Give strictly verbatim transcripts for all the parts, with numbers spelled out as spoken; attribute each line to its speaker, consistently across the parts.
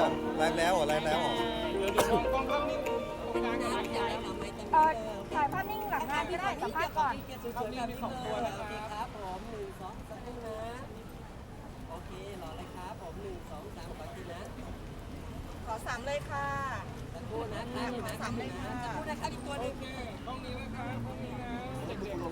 Speaker 1: ยังไลฟ์แล้วเหรอไลฟ์แล้วเหรอ
Speaker 2: เออถ่ายภาพนิ่งหลังงานก็ได้สัมภาษณ์ก่อน
Speaker 3: สวยๆกันสองตัวโอเคครับผมหนึ่งสองสามนะโอเครอเลยครับผมหนึ่งสองสามขอทีนะ
Speaker 2: ขอสามเลยค่ะ
Speaker 3: สักครู่นะครับอยู่นะสักครู่นะสักครู่นะครับอีกตัวหนึงห้องนี้นะครับห้องนี้นะเด็กๆ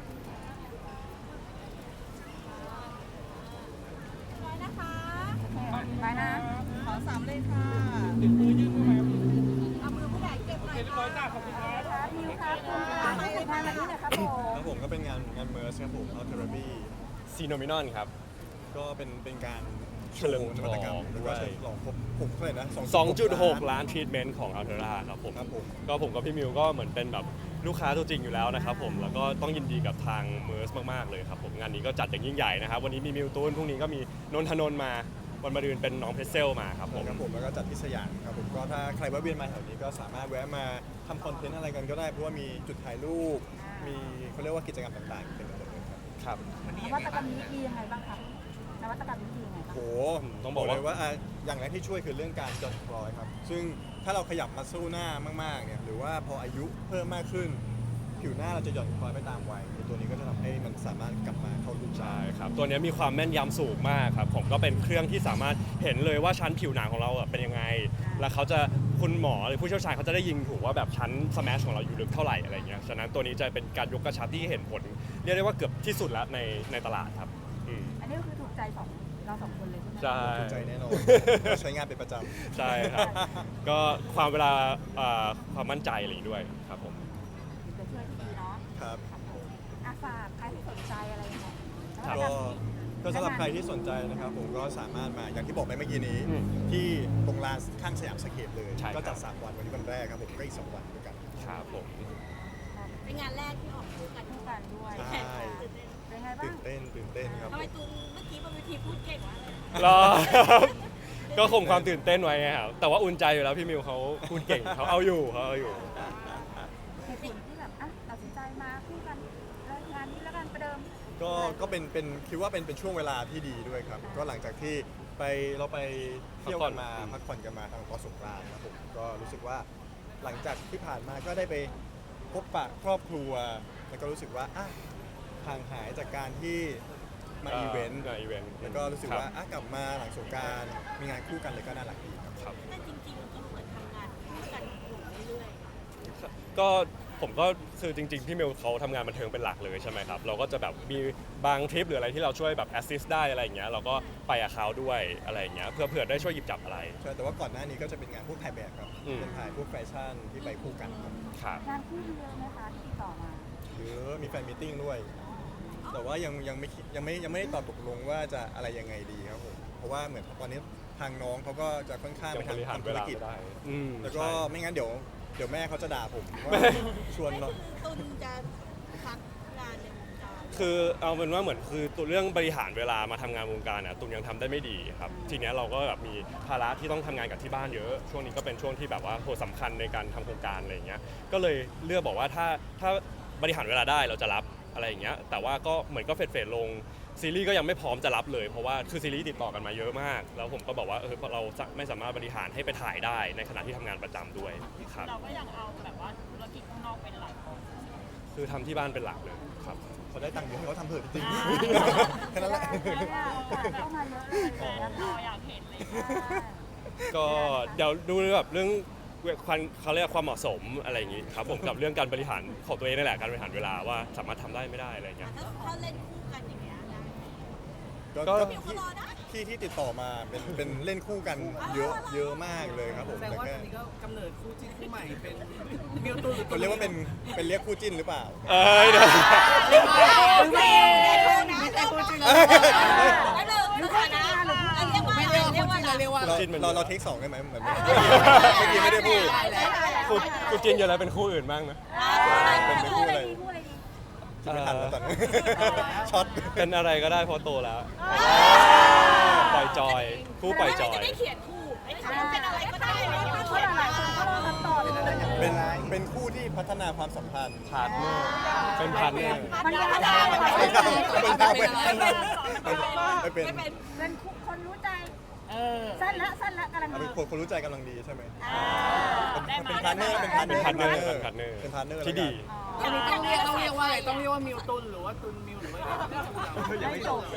Speaker 2: ร้อยนะคะไปนะ ขอสามเลยค่ะ
Speaker 3: ดึงมือยื่นมือมา
Speaker 2: เอามือผู้ใหญ่เก็บหน่อยค่ะขอบคุณครับมิวครับคุณมาถึงงานวันนี้นะครับผม
Speaker 1: ครับผมก็เป็นงานงานเมอร์สครับผมเอาเทอร์บี
Speaker 4: ซีโนมินอนครับ
Speaker 1: ก็เป็นเป็นการ
Speaker 4: เฉลิมฉลอง
Speaker 1: นวัตกรรมแล้วก็
Speaker 4: ด้วย
Speaker 1: เฉลิมฉลองครบหกเท่าไหร่นะ
Speaker 4: สองจุดหก ล้านทรีทเมนต์ของอัลเทอร่าครับผม
Speaker 1: ครับผม
Speaker 4: ก็ผมกับพี่มิวก็เหมือนเป็นแบบลูกค้าตัวจริงอยู่แล้วนะครับผมแล้วก็ต้องยินดีกับทางเมอร์สมากๆเลยครับผมงานนี้ก็จัดอย่างยิ่งใหญ่นะครับวันนี้มีมิวตูนพรุ่งนี้ก็มีนนทนนท์มาวันมะรืนเป็นน้องเพรสเซลมาครับผม
Speaker 1: ครับผมแล้วก็จัดที่สยามครับผมก็ถ้าใครแวะเวียนมาแถวนี้ก็สามารถแวะมาทำคอนเทนต์อะไรกันก็ได้เพราะว่ามีจุดถ่ายรูปมีเขาเรียกว่ากิจกรรมต่างๆเต็มไปหมดเลยครับ
Speaker 4: ครับ
Speaker 2: นวัตกรรมนี้ดียังไงบ้างคะนวัตกรรมนี้ดียังไงบ้าง
Speaker 1: โห
Speaker 4: ต้องบอกว่า
Speaker 1: เลยว่าอ่ะอย่างแรกที่ช่วยคือเรื่องการหย่อนคล้อยครับซึ่งถ้าเราขยับมาสู้หน้ามากๆเนี่ยหรือว่าพออายุเพิ่มมากขึ้น ผิวหน้าเราจะหย่อนคล้อยไปตามวัยตัวนี้ก็จะทำให้มันสามารถกลับมาเข้ารูปได้
Speaker 4: ใช่ครับตัวนี้มีความแม่นยำสูงมากครับผมก็เป็นเครื่องที่สามารถเห็นเลยว่าชั้นผิวหนังของเราอ่ะเป็นยังไง แล้วเขาจะคุณหมอหรือผู้เชี่ยวชาญเขาจะได้ยิงถูกว่าแบบชั้นสแมชของเราอยู่ลึกเท่าไหร่อะไรเงี้ยฉะนั้นตัวนี้จะเป็นการยกกระชับที่เห็นผลเรียกได้ว่าเกือบที่สุดแล้วในในตลาดครับอืม
Speaker 2: อันนี้ก็คือถูกใจสองเราสองคนเลยใช่ไหม
Speaker 4: ใช่
Speaker 1: ถูกใจแน่นอนใช้งานเป็นประจำ
Speaker 4: ใช่ครับ ก็ความเวลาเอ่อความมั่นใจอะไรอย่างนี้ด้วยครับผม
Speaker 2: จะช่วยที่ดีเนาะ
Speaker 1: ครับ
Speaker 2: ครับผมอาฝากใครที่สนใจอะไรยังไง
Speaker 4: ครับ
Speaker 1: ก็ก็สำหรับใครที่สนใจนะครับผมก็สามารถมาอย่างที่บอกไปเมื่อกี้นี้
Speaker 4: อืม
Speaker 1: ที่ตรงลานข้างสยามสเคปเลย
Speaker 4: ใช่ครับ
Speaker 1: ก็จัดสามวันวันนี้วันแรกครับผมก็อีกสองวันด้วยกัน
Speaker 4: ครับผม
Speaker 5: เป็นงานแรกที่ออกคู่กัน
Speaker 2: คู่กันด้วย
Speaker 1: ใช่
Speaker 2: เป็นไงบ้า
Speaker 1: ตื่
Speaker 2: ง
Speaker 1: นเต้นตื่นเต้นครับ
Speaker 5: ทำไมตูนเมื่อกี้บนเวทีพูดเก่งวะ
Speaker 4: รอครับก็คงความตื่นเต้นไว้ไงครับแต่ว่าอุ่นใจอยู่แล้วพี่มิวเขาพูดเก่งเขาเอาอยู่เขาเอาอยู่
Speaker 2: เหตุผลที่แบบอ่ะตัดสินใจมาคู่กันเลิกงานนี้แล้วกันประเดิม
Speaker 1: ก็ก็เป็นเป็นคิดว่าเป็นเป็นช่วงเวลาที่ดีด้วยครับ ก็หลังจากที่ไปเราไปเที่ยวกันมา
Speaker 4: พั
Speaker 1: พั
Speaker 4: ก
Speaker 1: ก
Speaker 4: ผ่
Speaker 1: ผ่
Speaker 4: อ
Speaker 1: อน นกันมาทางเกาะสงกรานต์ครับผมก็รู้สึกว่าหลังจากที่ผ่านมาก็ได้ไปพบปะครอบครัว แล้วก็รู้สึกว่าอ่ะห่างหายจากการที่มาอีเวนต์
Speaker 4: มาอีเวนต์
Speaker 1: แล้วก็รู้สึกว่าอ่ะกลับมาหลังสงกรานต์มีงานคู่กันเลยก็น่ารักดีครับ
Speaker 4: ครับ
Speaker 5: แต่จริงๆก็เหมือนทำงานคู่กันอยู่เรื่อย
Speaker 4: ก็ผมก็คือจริงๆพี่มิวเขาทำงานบันเทิงเป็นหลักเลยใช่ไหมครับเราก็จะแบบมีบางทริปหรืออะไรที่เราช่วยแบบแอสซิสได้อะไรอย่างเงี้ยเราก็ไปกับเขาด้วยอะไรอย่างเงี้ยเพื่อเผื่อได้ช่วยหยิบจับอะไร
Speaker 1: ใช่แต่ว่าก่อนหน้านี้ก็จะเป็นงานพวกถ่ายแบบครับ
Speaker 4: อืม
Speaker 1: เป็นถ่ายพวกแฟชั่นที่ไปคู่กันครับ
Speaker 4: ครับ
Speaker 2: งานคู่เยอะไหมคะที่ติดต่อมา
Speaker 1: หรือมีแฟนมีตติ้งด้วย แต่ว่ายังยังไม่คิดยังไม่ยังไม่ได้ตอบตกลงว่าจะอะไรยังไงดีครับผมเพราะว่าเหมือนตอนนี้ทางน้องเขาก็จะค่อนข้าง
Speaker 4: ยั
Speaker 1: ไป
Speaker 4: ง
Speaker 1: ทา
Speaker 4: บ
Speaker 1: ง
Speaker 4: ริหาร
Speaker 1: ทำ
Speaker 4: เว
Speaker 1: ธุร
Speaker 4: ลา
Speaker 1: กิจ
Speaker 4: ไม่ได้อืม
Speaker 1: แล้วก็
Speaker 4: ใช่
Speaker 1: ไม่งั้นเดี๋ยวเดี๋ยวแม่เขาจะด่าผมว่าชวน
Speaker 5: ๆ
Speaker 1: เรา
Speaker 5: คือตูนจะพักงานในวงการ
Speaker 4: คือเอาเป็นว่าเหมือนคือตัวเรื่องบริหารเวลามาทำงานวงการเนี่ยตุนยังทำได้ไม่ดีครับทีเนี้ยเราก็แบบมีภาระที่ต้องทำงานกับที่บ้านเยอะ ช่วงนี้ก็เป็นช่วงที่แบบว่าโหสำคัญในการทำโครงการอะไรอย่างเงี้ยก็เลยเลือกบอกว่าถ้าถ้าบริหารเวลาได้เราจะรับอะไรอย่างเงี้ยแต่ว่าก็เหมือนก็เฟดเฟดลงซีรีส์ก็ยังไม่พร้อมจะรับเลยเพราะว่าคือซีรีส์ติดต่อกันมาเยอะมาก แล้วผมก็บอกว่าเออเราจะไม่สามารถบริหารให้ไปถ่ายได้ในขณะที่ทำงานประจำด้วยครับ
Speaker 5: เราก็ยังเอาแบบว่าธุรกิจข้างนอกเป็นหลัก
Speaker 4: คือทำที่บ้านเป็นหลักเลยครับ
Speaker 1: เขาได้ตังค์เยอะให้เขาทำเถอะจริงๆแค่นั้นแหละ
Speaker 2: เนี่ยโอกาสเข้ามาเยอะเลยนะคะ
Speaker 5: เราอยากเห็นเลย
Speaker 4: ก็เดี๋ยวดูแบบเรื่องความเขาเรียกความเหมาะสมอะไรอย่างงี้ครับผมกับเรื่องการบริหารของตัวเองนั่นแหละการบริหารเวลาว่าสามารถทำได้ไม่ได้อะไรอย่างเงี้ย
Speaker 5: ถ้าถ้าเล่นคู่กันอย่างเงี้ยนะ
Speaker 1: ก็
Speaker 4: ก็
Speaker 1: ก็
Speaker 5: พี่ก็
Speaker 1: ที่
Speaker 5: รอได้
Speaker 1: ที่ที่ติดต่อมาเป็นเป็นเล่นคู่กันเยอะเยอะมากเลยครับผม
Speaker 3: แสดง
Speaker 1: แต่
Speaker 3: ว่า
Speaker 1: แค่
Speaker 3: ตอนนี้ก็กำเนิดคู่จิ้นคู่ใหม่เป็นมิวตูนหรือ
Speaker 1: เขาเรียกว่าเป็นเป็นเรียกคู่จิ้นหรือเปล่า
Speaker 4: เอ้ยเดี๋ยว
Speaker 5: โอเคได้คู่นะได้คู่จริงเลยไม่เลยไม่เลยนะเรียกว่า
Speaker 3: ไม่เรียกว่าคู่จิ้นเราเรียกว่า
Speaker 1: เรา
Speaker 4: จิ้นมัน
Speaker 1: เราเราเทคสองได้ไหมเหมือนเมื่อกี้ไม่ได้พูด
Speaker 4: คู่คู่จินอยู่แล้วเป็นคู่อื่นบ้างนะ
Speaker 1: เป็นไม่พูดอะไร
Speaker 2: มีคู่อะไรดี
Speaker 1: คิดไม่ทันแล้วตอนนี้ช็อต
Speaker 4: เป็นอะไรก็ได้เพราะโตแล้ว ปล่อยจอย คู่ปล่อยจอย
Speaker 5: จะได้เขียนคู่ไอ้คู่เป็นอะไรก็ได้
Speaker 2: เพราะหลายคนก็รอคำตอบอยู่
Speaker 1: เป็นเป็นคู่ที่พัฒนาความสัมพันธ์
Speaker 4: พาร์ทเนอร์เป็นพาร์ทเนอร์
Speaker 2: มันยังไง
Speaker 1: ไม่ได้ไม่ได้ไม่ได้ไม่เป็น
Speaker 2: เป็นคู่คนรู้ใจสั้นละสั้นละกำลัง
Speaker 1: เอา
Speaker 2: ดี
Speaker 1: เป็นคนคนรู้ใจกำลังดีใช่ไหม
Speaker 2: อ่า
Speaker 1: เป็นเป็นพาร์ทเนอร์เป็นพาร์ทเนอร์
Speaker 4: เป็นพาร์ทเนอร์เป็นพาร์ทเนอร์
Speaker 1: เป็นพาร์ทเนอร์
Speaker 4: ที่ดี
Speaker 2: อันนี้
Speaker 6: ต้องเรียกต้องเรียกว่าอะไรต้องเรียกว่ามิวตุนหรือว่าตุนมิวหรือว่าอะไร
Speaker 1: ยังไม่จบ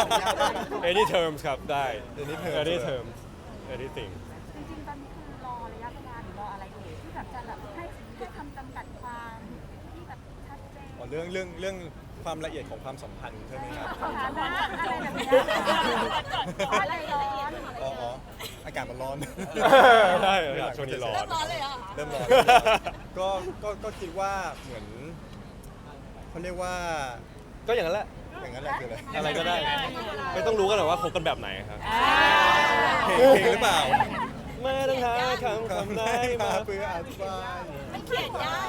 Speaker 4: any terms ครับได้
Speaker 1: Any terms
Speaker 4: any terms anything
Speaker 2: จริงๆตอนนี้คือรอระยะเวลาหรือรออะไรเอ่ยที่แบบจะแบบให้ให้คำจำกัดความที่แบบชัดเจน
Speaker 1: อ๋อเรื่องเรื่องเรื่องความละเอียดของความสัมพันธ์ใช่ไหมครับ
Speaker 2: สถานะอะไรแบบเนี้ยอะไรร้อน
Speaker 1: อ๋ออ๋ออากาศมันร้อน
Speaker 4: ใช่อากาศช่วงนี้ร้อน
Speaker 5: เริ่มร้อนเลยเหรอ
Speaker 1: เริ่มร้อนก็ก็ก็คิดว่าเหมือนเขาเรียกว่า
Speaker 4: ก็อย่างนั้นแหละ
Speaker 1: อย่างนั้นแหละคืออะไร
Speaker 4: อะไรก็ได้ ไม่ต้องรู้กันหรอกว่าคบกันแบบไหนครับ
Speaker 1: เพลงเพลงหรือเปล่า
Speaker 4: ไม่ต้องหาคำคำไหนมา
Speaker 1: เพื่ออธิบาย
Speaker 5: มันเขียนยาก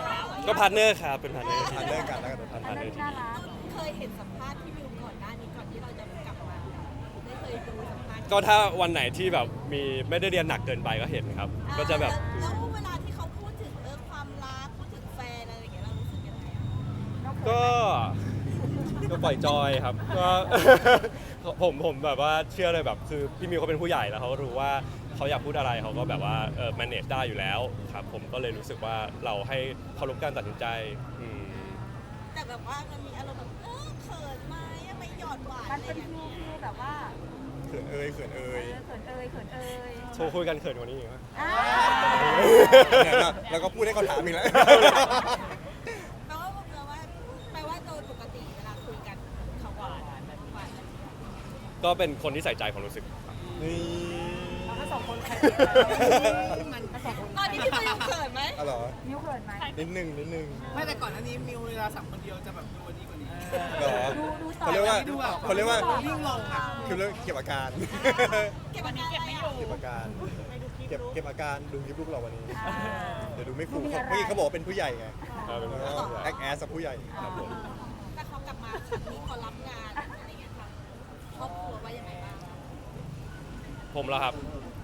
Speaker 4: ก็พาร์ทเนอร์ครับเป็นพาร์ทเนอร์ที่
Speaker 1: ผ่าน
Speaker 4: ดี
Speaker 1: เรื่องกันแล้วกัน
Speaker 4: พาร์ทเนอร์ที่
Speaker 2: น่า
Speaker 4: ดี
Speaker 2: รัก
Speaker 5: เคยเห็นสัมภาษณ์ที่วิวก่อนหน้านี้ก่อนที่เราจะกลับมาได้เคยดูสัมภาษณ์
Speaker 4: ก็ถ้าวันไหนที่แบบมีไม่ได้เรียนหนักเกินไปก็เห็นครับ ก็จะแบบ
Speaker 5: แล้วเวลาที่เขาพูดถึงเรื่องความรักพูดถึงแฟนอะไรอย่างเงี้ยเรารู้สึกยังไงอะ
Speaker 4: ก็ก็ปล่อยจอยครับก็ ผมผมแบบว่าเชื่อเลยแบบคือพี่มิวเขาเป็นผู้ใหญ่แล้วเขาก็รู้ว่าเขาอยากพูดอะไรเขาก็แบบว่าเออ manage ได้อยู่แล้วครับผมก็เลยรู้สึกว่าเราให้เคารพการตัดสินใจอืม
Speaker 5: แต่แบบว่ามันมีอารมณ์แบบเออเขินไหมไปหยอดหวาน
Speaker 2: มัน
Speaker 5: อะไร
Speaker 2: เป็น
Speaker 5: อย่าง
Speaker 2: ฟิ
Speaker 5: เงี้
Speaker 2: วย ฟิวแบบว่า
Speaker 1: เขินเอ่ยเขินเอ่ย
Speaker 2: เขินเอ่ยเขินเอ่ย
Speaker 4: โชว์คุยกันเขินกว่านี้อีกไหม
Speaker 2: อ่า
Speaker 1: เนี่ยแล้วก็พูดให้เขาถามอีกแล้ว
Speaker 5: แปลว่าแปลว่าแปลว่าโดยปกติเวลาคุยกันเขาหวานแบบหวานอะไรอย่างเงี้ย
Speaker 4: ก็เป็นคนที่ใส่ใจความรู้สึก
Speaker 1: นี่
Speaker 6: ถ้าสองคนใครมันผสม
Speaker 5: ตอนนี้พี่มิวเขินไหม
Speaker 1: อ๋อเหรอ
Speaker 2: นิ้วเขินไหม
Speaker 1: นิดนึงนิดนึง
Speaker 6: ไม่แต่ก่อนหน้านี้มิวเวลาสั่งคนเดียวจะแบบดูวันนี้กว่านี้
Speaker 1: เหรอ
Speaker 2: ดูดูต่อ
Speaker 1: เขาเรียกว่า
Speaker 6: ดูแบบ
Speaker 1: เขาเรียกว่า
Speaker 6: ยิ่งลงอ่ะ
Speaker 1: คือเรื่องเก็บอาการ
Speaker 5: เก็บอาการอะไรอ่ะ
Speaker 1: เก็บอาการ เก็บเก็บอาการดูคลิปลูกเราวันนี้
Speaker 2: อ่า
Speaker 1: เดี๋ยวดูไม่ฟูเมื่อกี้เขาบอกว่าเป็นผู้ใหญ่ไง
Speaker 4: เออเป็นผู้ใหญ่
Speaker 1: แอคแอสกับผู้ใหญ่
Speaker 4: ครับผม
Speaker 5: แต่เขากลับมาครั้งนี้พอรับงานอะไรเงี้ยค่ะครอบครัวว่ายังไงบ้าง
Speaker 4: ผมแล้วครับ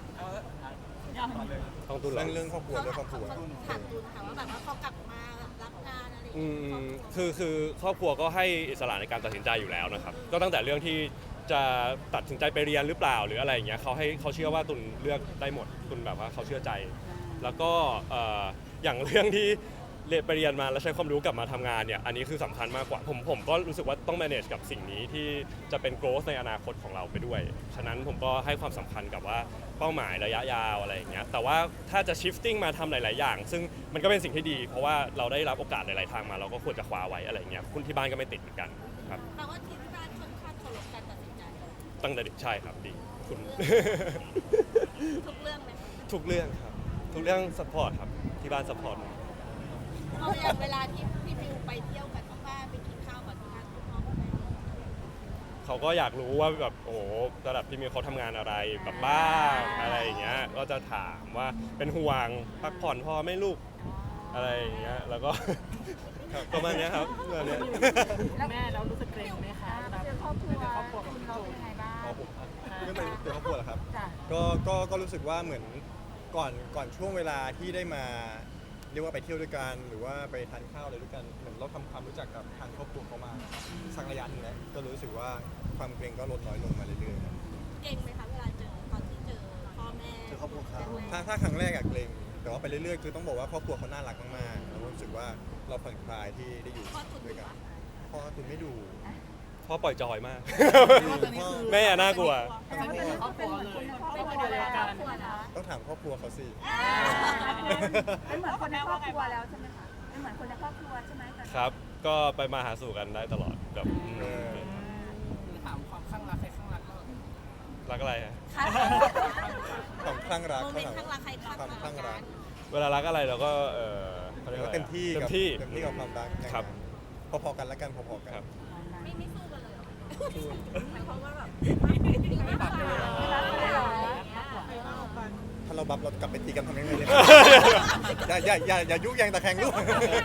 Speaker 4: ต้องตุนเหร
Speaker 1: เรื่
Speaker 4: อ
Speaker 1: องเรื่องครอบครัวเรื่องครอบครัว
Speaker 5: ถามตูนค่ะว่าแบบว่าเขากลับมารับงานอะไรอย่าง
Speaker 4: อื
Speaker 5: เงี้ย
Speaker 4: มคือคือครอบครัวก็ให้อิสระในการตัดสินใจอยู่แล้วนะครับ ก็ตั้งแต่เรื่องที่จะตัดสินใจไปเรียนหรือเปล่าหรืออะไรอย่างเงี้ยเขาให้เขาเชื่อว่าตุนเลือกได้หมดตุนแบบว่าเขาเชื่อใจ แล้วก็เอ่ออย่างเรื่องที่เรียนไปเรียนมาแล้วใช้ความรู้กลับมาทำงานเนี่ยอันนี้คือสำคัญมากกว่าผมผมก็รู้สึกว่าต้อง manage กับสิ่งนี้ที่จะเป็น growth ในอนาคตของเราไปด้วย ฉะนั้นผมก็ให้ความสำคัญกับว่าเป้าหมายระยะยาวอะไรอย่างเงี้ยแต่ว่าถ้าจะ shifting มาทำหลาย ๆ อย่าง ซึ่งมันก็เป็นสิ่งที่ดี เพราะว่าเราได้รับโอกาสหลาย ๆ ทางมาเราก็ควรจะคว้าไว้อะไรอย่างเงี้ยคุณที่บ้านก็ไม่ติดเหมือนกันครับ
Speaker 5: แปลว่าที่บ้านค่อนข้างเคารพการตัดสินใจ
Speaker 4: ตั้งแต่เด็กใช่ครับดีคุณ
Speaker 5: ทุกเรื่องไหม
Speaker 4: ทุกเรื่องครับทุกเรื่อง support ครับที่บ้าน support
Speaker 5: เอาอย่างเวลาที่พี่มิวไปเที่ยวกับที่บ้านไปกินข้าวกับที่บ้านคุณพ่อคุณแม่
Speaker 4: เขาก็อยากรู้ว่าแบบโอ้โหระดับที่มีเขาทำงานอะไรแบบบ้างอะไรอย่างเงี้ยก็จะถามว่าเป็นห่วงพักผ่อนพอไหม่ลูกอะไรอย่างเงี้ยแล้วก็ ประมาณเนี้ยครับประมาณเนี้ย
Speaker 2: แล้ว
Speaker 6: แม่เรารู้สึกเกรงไหมคะ
Speaker 2: เราเจอครอบครัวคุณเราเป็นไงบ้าง
Speaker 1: อ๋อผมเรื่องเป็นเป็นครอบครัวเหรอครับ
Speaker 2: จ้ะ
Speaker 1: ก็ก็ก็รู้สึกว่าเหมือนก่อนก่อนช่วงเวลาที่ได้มาเรียกว่าไปเที่ยวด้วยกันหรือว่าไปทานข้าวอะไรด้วยกันเหมือนเราทำความรู้จักกับทางครอบครัวเขามาสักระยะหนึงแล้วก็รู้สึกว่าความเกรงก็ลดน้อยลงมาเรื่อยๆครับ
Speaker 5: เก่งไหมคะเวลาเจอตอนที่เจอพ่อแม่
Speaker 1: เจอครอบครัวเขาถ้าถ้าครั้งแรกอะเกรงแต่ว่าไปเรื่อยๆคือต้องบอกว่าครอบครัวเขาน่ารักมากๆแล้วรู้สึกว่าเราผ่อนคลายที่ได้อยู่
Speaker 5: พ่อตุน
Speaker 1: ด้วยกันพ่อตุนไม่ดู
Speaker 4: พ่อปล่อยจอยมาก
Speaker 1: พ่อ
Speaker 4: แม่อะน่ากลัว
Speaker 2: แต่ว่าเป็นครอบครัวเลยครอบครัวแล้วครอบครัวนะ
Speaker 1: ต้องถามครอบครัวเขาสิ
Speaker 2: เป็นเหมือนคนในครอบครัวแล้วใช่ไหมคะเป็นเหมือนคนในครอบครัวใช่ไหมตอนนี้
Speaker 4: ครับ ก็ไปมาหาสู่กันได้ตลอดแบบอืม
Speaker 1: เออ
Speaker 6: ถามความข้างรักใครข้างรักก็
Speaker 4: รักอะไรฮะ
Speaker 1: ความคลั่งรัก
Speaker 5: โมเม
Speaker 1: เขา
Speaker 5: นต์
Speaker 1: ถาม
Speaker 5: ข้างรักใครข้าง
Speaker 1: ความคลั่งรัก
Speaker 4: เวลารักอะไรเราก็เออเขาเรียกว่าอะไร
Speaker 1: เต็มที่
Speaker 4: เต็
Speaker 1: กับ
Speaker 4: มที่
Speaker 1: เต็มที่กับความรัก
Speaker 4: ครับ
Speaker 1: พอๆกันแล้วกันพอๆกัน
Speaker 4: ครับ
Speaker 5: ไม่ไม่สู้กันเลยเหรอหมายความว่าแบบ
Speaker 6: ไม่ปรับตัว
Speaker 2: รักเลยเหรอ
Speaker 1: ถ้าเราบับเรากลับไปตีกันทำยังไงเนี่ย อย่าอย่าอย่าอย่ายุแยงตะแคงลูก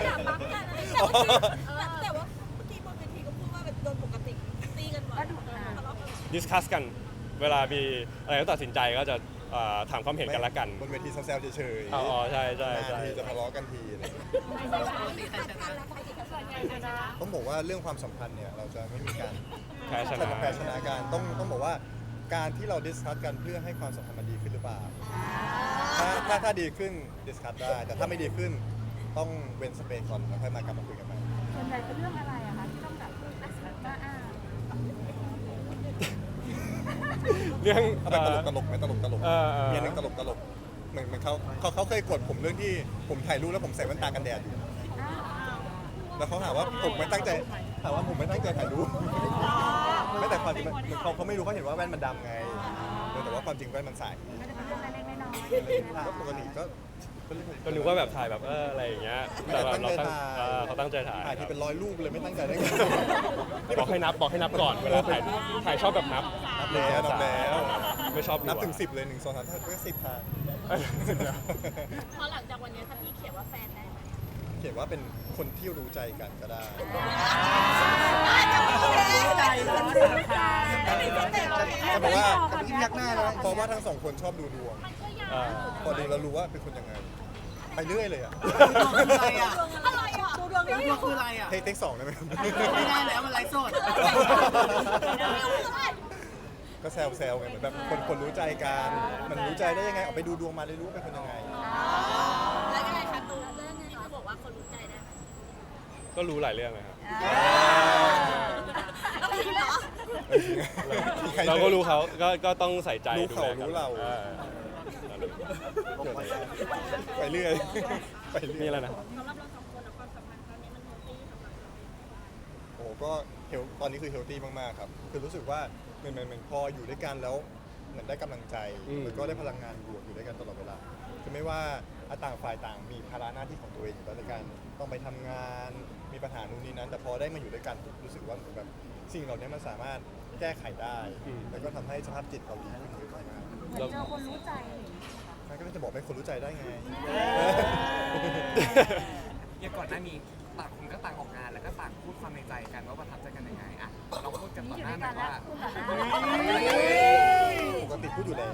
Speaker 5: แต่ว่าเมื่อกี้บนเวทีก็พูดว่าแบบโดนปกติตีกันบ่อยทะเลาะกัน
Speaker 4: ดิสคัสกัน เวลามีอะไรต้องตัดสินใจก็จะเอ่อถามความเห็นกันละกัน
Speaker 1: บนเวทีแซวๆเฉยๆ
Speaker 4: อ๋อใช่ใช่ใช่
Speaker 1: นานทีจะทะเลาะกันทีอะไรอย่างเงี้ย ต้องบอกว่าเรื่องความสัมพันธ์เนี่ยเราจะไม่มีการ
Speaker 4: แพ้ชนะ
Speaker 1: แพ้ชนะกันต้องต้องบอกว่าการที่เราดิสคัสกันเพื่อให้ความสัมพันธ์มันดีขึ้นหรือเปล่าถ้าถ้าถ้าดีขึ้นดิสคัสได้แต่ถ้าไม่ดีขึ้นต้องเว้นสเปซก่อนแล้วค่อยมากลับมาคุยกันใหม่
Speaker 2: ส่วนใหญ่เป็นเรื่องอะไรอะคะที่ต้องแบบอ่ะอ่า
Speaker 4: เรื่อง
Speaker 1: เอาแบบตลกตลกไหมตลกตลก
Speaker 4: เออเออ
Speaker 1: มีอันหนึงตลกตลกเหมือนเหมือนเขาเขาเขาเคยกดผมเรื่องที่ผมถ่ายรูปแล้วผมใส่แว่นตากันแดดอยู่แล้วเขาหาว่าผมไม่ตั้งใจถามว่าผมไม่ตั้งใจถ่ายรูปไม่แต่ความจริงมันเหมือนเขาเขาไม่รู้เขาเห็นว่าแว่นมันดำไงเออแต่ว่าความจริงแว่นมันใส่
Speaker 2: ไม่ได้เป็นเรื่องเล็กๆน้อย
Speaker 1: อะไรอย่างเงี้ยก็ปกติก็ก็เรื่อง
Speaker 4: ก็นึกว่าแบบถ่ายแบบเอออะไรอย่างเงี้ย
Speaker 1: ไม่
Speaker 4: แต่
Speaker 1: ได้
Speaker 4: แบบ
Speaker 1: ตั้ง
Speaker 4: เรา
Speaker 1: ใจ
Speaker 4: ตั้ง
Speaker 1: ถ่าย
Speaker 4: เออเขาตั้งใจถ่าย
Speaker 1: ถ่าย
Speaker 4: ครั
Speaker 1: ที่
Speaker 4: บ
Speaker 1: เป็นร้อยรูปเลยไม่ตั้งใจได้ไง
Speaker 4: บอกให้นับบอกให้นับก่อนเวลาถ่ายถ่ายชอบแบบนับ
Speaker 1: นับแล้วนับแล้ว
Speaker 4: ไม่ชอบ
Speaker 1: นับ
Speaker 4: ดีกว่า
Speaker 1: ถึงสิบเลยหนึ่งสองสามถ้าก็สิบทาง
Speaker 4: เออสิบแล้ว
Speaker 5: พอหลังจากวันนี้ถ้าพี่เขียนว่าแฟนได้ไหม
Speaker 1: เขียนว่าเป็นคนที่รู้ใจกันก็ได้
Speaker 6: ใจร้อนสารคาม
Speaker 1: แต่บอกว่าเพราะว่าทั้งสองคนชอบดูดวง
Speaker 4: เออ
Speaker 1: พอดูแล้วรู้ว่าเป็นคนยังไง ไปเรื่อยเลยอ่ะ
Speaker 6: อะไรอ่ะ
Speaker 5: อะไรอ่ะดูดวง
Speaker 6: ดวงคืออะไรอ่ะ
Speaker 1: เทคเทคสองได้ไหมครับ
Speaker 6: ไม่ได้แล้วมันไลฟ์สด
Speaker 1: ก็แซวแซวไงเหมือนแบบคนคนรู้ใจกันมันรู้ใจได้ยังไงออกไปดูดวงมาเลยรู้ว่าเป็นคนยังไง
Speaker 5: แล้วยังไงคะตูนเรื่องนี้เขาบอกว่าคนรู้ใจได้ไหม
Speaker 4: ก็รู้หลายเรื่องเลยครับ
Speaker 5: ต้องคิดเหรอ
Speaker 4: เราก็รู้เขาก็ก็ต้องใส่ใจ
Speaker 1: รู้เขา
Speaker 4: ดูแลกัน
Speaker 1: รู้เรา
Speaker 4: ออ
Speaker 1: เกิดอะไรไปเรื่อยไปเรื่อย
Speaker 4: นี่แหละนะ
Speaker 5: สำหรับเราสองคนแล้วความสัมพันธ์ครั้งนี้มันเฮลตี้สำหรับเรา
Speaker 1: โอ้ก็เฮลตอนนี้คือเฮลตี้มากๆครับคือรู้สึกว่าเหมือนเหมือนเหมือนพออยู่ด้วยกันแล้วเหมือนได้กำลังใจ
Speaker 4: อืม
Speaker 1: แล้วก็ได้พลังงานบวกอยู่ด้วยกันตลอดเวลาคือไม่ว่าต่างฝ่ายต่างมีภาระหน้าที่ของตัวเองอยู่แล้วในการต้องไปทำงานมีปัญหานู่นนี่นั้น แต่พอได้มาอยู่ด้วยกันผมรู้สึกว่าเหมือนแบบสิ่งเหล่านี้มันสามารถแก้ไขได้ แล้วก็ทำให้สภาพจิตเราดีขึ้นเยอะมาก
Speaker 2: ๆเหมือนเจอคนรู้ใจอะไรอย่างเงี้ยค่ะ
Speaker 1: มันก็จะบอกเป็นคนรู้ใจได้ไง
Speaker 7: อย่างก่อนหน้านี้ต่างคนก็ต่างออกงานแล้วก็ต่างพูดความในใจกันว่าประทับใจกันยังไงอะเราพูดกัน
Speaker 2: นี่
Speaker 7: ต่อ
Speaker 2: อยู่
Speaker 7: ห
Speaker 2: ด้
Speaker 7: น้า
Speaker 2: วย
Speaker 7: ห
Speaker 2: กั
Speaker 7: น่อน ย
Speaker 2: แล้ว
Speaker 7: ว่า
Speaker 2: พูดแบบนั้น
Speaker 1: ปกติพูดอยู่แล้ว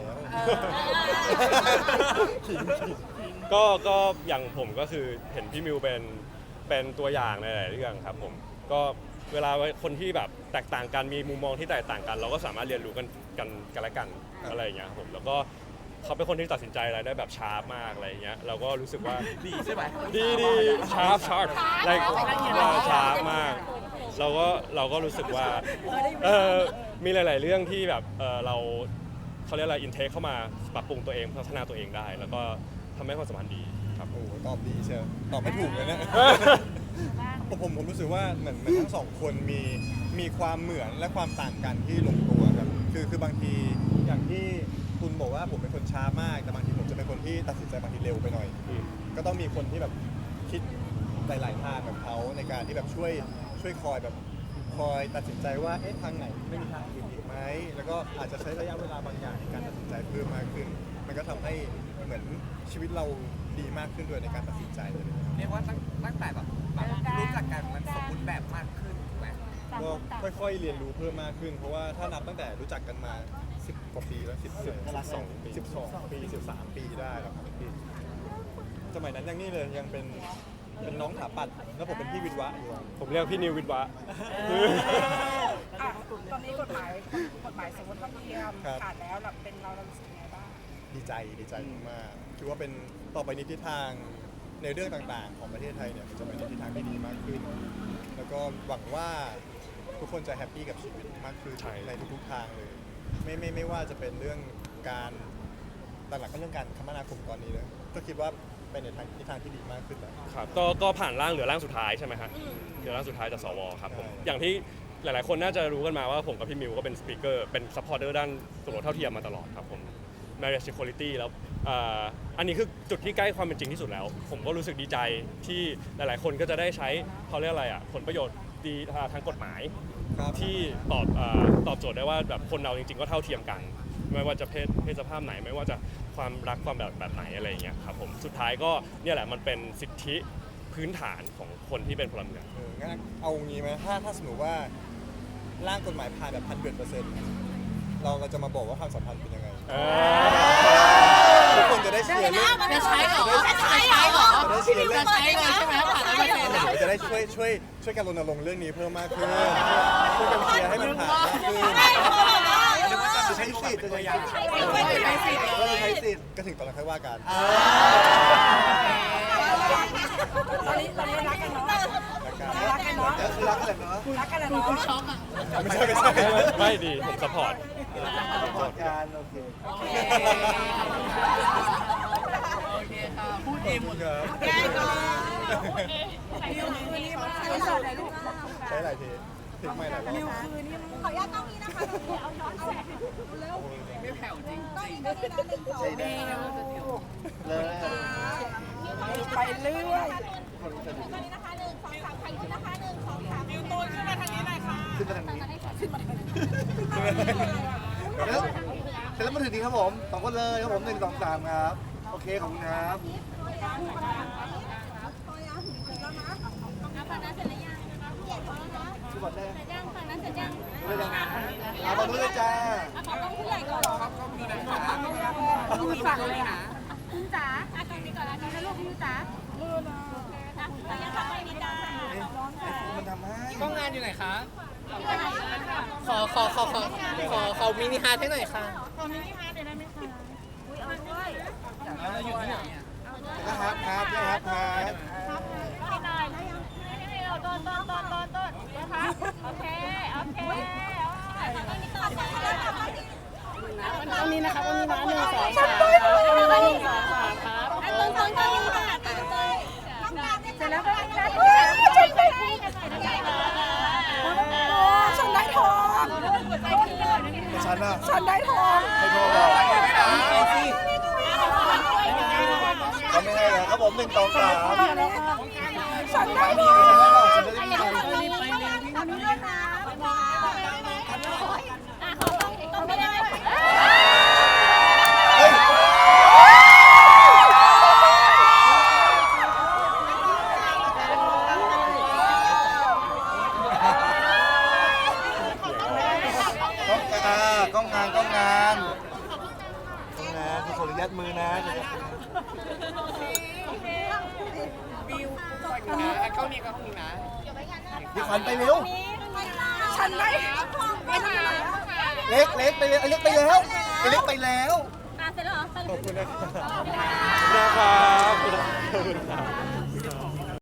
Speaker 4: ก็ก็อย่างผมก็คือเห็นพี่มิวเป็นเป็นตัวอย่างในหลายเรื่องครับผมก็เวลาคนที่แบบแตกต่างกันมีมุมมองที่แตกต่างกัน เราก็สามารถเรียนรู้กันกันกันและกันอะไรอย่างเงี้ยครับผมแล้วก็เขาเป็นคนที่ตัดสินใจอะไรได้แบบชาร์ปมากอะไรอย่างเงี้ยเราก็รู้สึกว่า
Speaker 7: ดีใช่ไหม
Speaker 4: ดีดีชาร์ปชาร์ปอะไรชาร์ปมาก เราก็เราก็รู้สึกว่าเออมีหลาย ๆ เรื่องที่แบบเออเราเขาเรียกอะไรอินเทคเข้ามาปรับปรุงตัวเองพัฒนาตัวเองได้ แล้วก็ทำให้ความสัมพันธ์ดีครับ
Speaker 1: โอ้โหตอบดีเชียวตอบไม่ถูกเลยเนี่ย ผมผมผมรู้สึกว่าเหมือนเหมือนทั้งสองคนมีมีความเหมือนและความต่างกันที่ลงตัวครับคือคือบางทีอย่างที่คุณบอกว่าผมเป็นคนช้ามาก แต่บางทีผมจะเป็นคนที่ตัดสินใจบางทีเร็วไปหน่อย
Speaker 4: อืม
Speaker 1: ก็ต้องมีคนที่แบบคิดหลายๆทางแบบเขาในการที่แบบช่วยช่วยคอยแบบคอยตัดสินใจว่าเอ๊ะทางไหนไม่มีทางอื่นอีกไหมแล้วก็อาจจะใช้ระยะเวลาบางอย่างในการตัดสินใจเพิ่มมากขึ้น มันก็ทำให้เหมือนชีวิตเราดีมากขึ้นด้วยในการตัดสินใจเลย
Speaker 7: เรียกว่าตั้งตั้งแต่แบบแบบรู้จักกันมันสมบูรณ์แบบมากขึ้นถูกไหม
Speaker 2: ต่าง
Speaker 1: ก็
Speaker 2: คนต่าง
Speaker 1: ค่อยๆเรียนรู้เพิ่มมากขึ้น เพราะว่าถ้านับตั้งแต่รู้จักกันมาสิบกว่าปีแล้วสิบสิบสองปีสิบสองปีสิบสามปีได้แล้วครับสมัยนั้นยังนี่เลยยังเป็นเป็นน้องถาปัดแล้วผมเป็นพี่วิทวะอยู่
Speaker 4: ผมเรียกพี่นิววิทย์วะ
Speaker 8: อ่ะตอนนี้กฎหมายกฎหมายสมรสเท่าเทียมผ่านแล้วเราเป็นเราเรารู้สึกยังไงบ้าง
Speaker 1: ดีใจดีใจมากๆคือว่าเป็นต่อไปในทิศทางในเรื่องต่างๆ ของประเทศไทยเนี่ยมันจะไปในทิศทางที่ดีมากขึ้น แล้วก็หวังว่าทุกคนจะแฮปปี้กับชีวิตมากขึ้น
Speaker 4: ใช่
Speaker 1: ในทุกๆทางเลย ไม่ไม่ไม่ว่าจะเป็นเรื่องการหลักๆก็เรื่องการคมนาคมตอนนี้เลยก็คิดว่าไปในทางทิศทางที่ดีมากขึ้นแล้ว
Speaker 4: ครับก็ก็ผ่านร่างเหลือร่างสุดท้ายใช่ไหมฮะเหลือร่างสุดท้ายจากสวครับผม
Speaker 1: ใช่
Speaker 4: อย่างที่หลาย ๆ คนน่าจะรู้กันมาว่าผมกับพี่มิวก็เป็นสปีกเกอร์เป็นซัพพอร์เตอร์ด้านสมรสเท่าเทียมมาตลอดครับผม marriage equality แล้วอ่าอันนี้คือจุดที่ใกล้ความเป็นจริงที่สุดแล้ว ผมก็รู้สึกดีใจที่หลาย ๆ คนก็จะได้ใช้เขาเรียกอะไรอ่ะผลประโยชน์ดีทางกฎหมาย
Speaker 1: ครับ
Speaker 4: ที่ตอบเออตอบโจทย์ได้ว่าแบบคนเราจริง ๆ ก็เท่าเทียมกัน ไม่ว่าจะเพศเพศสภาพไหน ไม่ว่าจะความรักความแบบแบบไหนอะไรอย่างเงี้ยครับผมสุดท้ายก็เนี่ยแหละมันเป็นสิทธิพื้นฐานของคนที่เป็นพลเมือง
Speaker 1: เอองั้นเอางี้ไหมถ้าถ้าสมมติว่าร่างกฎหมายผ่านแบบพันเปอร์เซ็นต์เราเราจะมาบอกว่าความสัมพันธ์เป็นยังไง
Speaker 4: เอ
Speaker 1: ทุกคนจะได้เชียร์เรื่อง
Speaker 6: จะใช้เหรอจะใช้เหรอ
Speaker 1: จะได้เชียร์เรื่
Speaker 6: จะ
Speaker 1: อง
Speaker 6: ใช้เลยใช่ไหมผ่านแล้วไม่เป็น
Speaker 1: เดี๋ยวจะได้ช่วยช่วยช่วยกันรณรงค์เรื่องนี้เพิ่มมากขึ้นช่วยกันเชียร์ให้มันผ่านมากขึ้น
Speaker 7: นึกว่าจะใช้
Speaker 1: สิทธิ์จะใช้สิทธิ์
Speaker 5: ใช้สิทธิ์
Speaker 8: ใช้สิทธิ์
Speaker 1: ก็เลยใช้สิทธิ์ก็ถึงตอนนั้นค่อยว่ากัน
Speaker 8: ตอนนี้ตอนนี้รักกันเนาะ
Speaker 1: รักกัน
Speaker 8: รักกันเนาะ
Speaker 1: ก็คือรักกันแหละเนาะ
Speaker 8: รักกันแล้วเนาะ
Speaker 1: ไม่ใช่ไม่ใช่
Speaker 4: ไม่ดีผมสปอร์ต
Speaker 1: พอกันโอเค
Speaker 6: โอเคโอเคค่ะพูดเองหมด
Speaker 1: ครับ
Speaker 5: แกก่อน
Speaker 1: ใช้หลายทีทิ้งไม่หลายรอบ
Speaker 5: ขออนุญาตต้องนี้นะคะเอาย้อนแสงเร็ว
Speaker 6: ไม่แผ่วจริง
Speaker 5: ต้องนี้ต้องนี้นะหนึ่งสอง
Speaker 1: ใช้ได้เลย
Speaker 8: ไปเรื่อย
Speaker 5: ตอนนี้นะคะหนึ่งสองสามใครขึ้นนะคะหนึ่งสองสามนิ้วตูนขึ้นมาทางนี้หน่อยค่ะ
Speaker 1: ขึ้นมาทางนี้แล้วเสร็จแล้วมาถึงนี้ครับผมสองคนเลยครับผมหนึ่งสองสามครับโอเคขอบคุณครับ
Speaker 5: ฝั่งนั้นเสร็จแล้วยังเย็นพอแล้วนะ
Speaker 1: ทุกคนได้
Speaker 5: เสร็จยังฝั่งนั้นเสร็จยัง
Speaker 1: ไม่ได้เอาตอนนู้นเลยจ้า
Speaker 5: อ่ะขอต้องผู้ใหญ่ก่อนเหรอ
Speaker 8: ลูกสั่งเลยนะ
Speaker 2: คุณจ๋าอ่ะตรงนี้ก่อนนะนี่นะลูกคุณจ๋า
Speaker 5: นะเสร็จยังค่ะไม่มีจ้า
Speaker 1: มันทำให้
Speaker 6: กล้องงานอยู่ไหนคะ ขอขอขอขอขอขอมินิฮาร์ทให้หน่อยค่ะ
Speaker 2: ขอมินิฮาร์ทเดี๋ยวได้ไหมคะอุ้ยเอาด้วย
Speaker 6: เราอยู่ที่ไหนอ่ะ
Speaker 1: นะครับครับครับครับ
Speaker 2: ให้หน่อยนี่นี่เราต้นต้นต้นต้นต้นนะคะโอเคโอเค
Speaker 8: ตรงนี้นะครับตรงนี้นะหนึ่งสองสาม
Speaker 2: หนึ่งสองสามครับ
Speaker 5: อันต้นต้นต้นค่ะต้นต้นต้องการเนี่ย
Speaker 2: เสร็จแล้วก็ได้ได้ได้ได้ได้
Speaker 8: ฉันได้ทอง
Speaker 1: ฉันอ่ะ
Speaker 8: ฉันได้ทอง
Speaker 1: ให้โทรบอกเขาไม่ให้แล้วครับผมหนึ่งสองสาม
Speaker 8: ฉันได้
Speaker 1: มี
Speaker 8: ทอง
Speaker 1: ไม่ได้หรอกฉันจะได้มี
Speaker 2: อันนี้ด้วยค่ะอ่ะขอต้องต้องไม่ได้
Speaker 1: เฮ้ยกล้องงานกล้องงานกล้องงานขออนุญาตมือนะ
Speaker 6: บิวก่อนนะเข้านี้ก็ห้องนี้นะ
Speaker 1: พี่ขวัญไปเร็ว
Speaker 8: ฉันได้
Speaker 1: เล็กเล็กไปเร็วไอ้เล็กไปแล้วไอ้เล็กไปแล้ว
Speaker 2: อ่ะเสร็จแล้วเหรอ
Speaker 1: ขอบคุณนะครับ
Speaker 4: ขอบคุณนะครับขอบคุณครับ